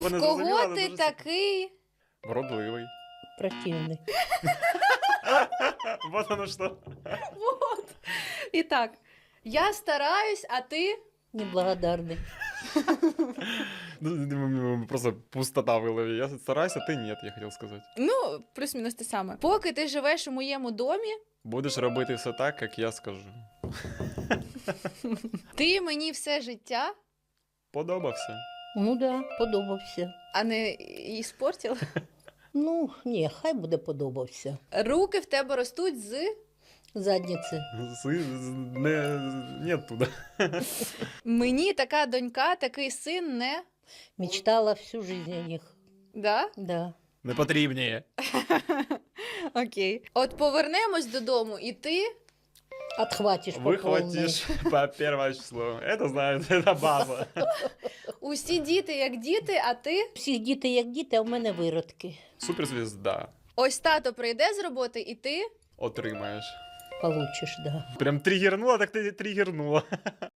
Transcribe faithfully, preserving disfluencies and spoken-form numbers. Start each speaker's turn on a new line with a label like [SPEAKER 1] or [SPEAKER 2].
[SPEAKER 1] Вони
[SPEAKER 2] Кого
[SPEAKER 1] зрозуміли, але
[SPEAKER 2] ти
[SPEAKER 1] дуже
[SPEAKER 2] такий?
[SPEAKER 1] Вродливий.
[SPEAKER 3] Противный.
[SPEAKER 1] Вот оно что.
[SPEAKER 2] Вот. І так, я стараюсь, а ти?
[SPEAKER 3] Неблагодарный.
[SPEAKER 1] Ну, просто пустота в голове. Я стараюсь, а ты нет, я хотел сказать.
[SPEAKER 2] Ну, плюс-мінус те саме. Поки ти живеш у моєму домі,
[SPEAKER 1] Будеш робити все так, як я скажу.
[SPEAKER 2] ти мені все життя,
[SPEAKER 1] Подобався.
[SPEAKER 3] Ну да, подобався.
[SPEAKER 2] а не іспортила.
[SPEAKER 3] Ну, ні, хай буде подобався.
[SPEAKER 2] Руки в тебе ростуть з...
[SPEAKER 3] Задниці.
[SPEAKER 1] Си- з- Не, нет туда.
[SPEAKER 2] Мені така донька, такий син не...
[SPEAKER 3] Мечтала всю жизнь о них.
[SPEAKER 2] Да?
[SPEAKER 3] Да.
[SPEAKER 1] Не потрібніє.
[SPEAKER 2] Окей. От повернемось додому, і ти...
[SPEAKER 3] Отхватишь по
[SPEAKER 1] Выхватишь по первое число. Это знают, это база.
[SPEAKER 2] Усі діти як діти, а ти...
[SPEAKER 3] повній. Всі діти як діти, а в мене виродки.
[SPEAKER 1] Суперзвезда.
[SPEAKER 2] Ось тато прийде з роботи, і ти...
[SPEAKER 1] Отримаєш.
[SPEAKER 3] Получиш, да.
[SPEAKER 1] Прям тригернула, так ти тригернула.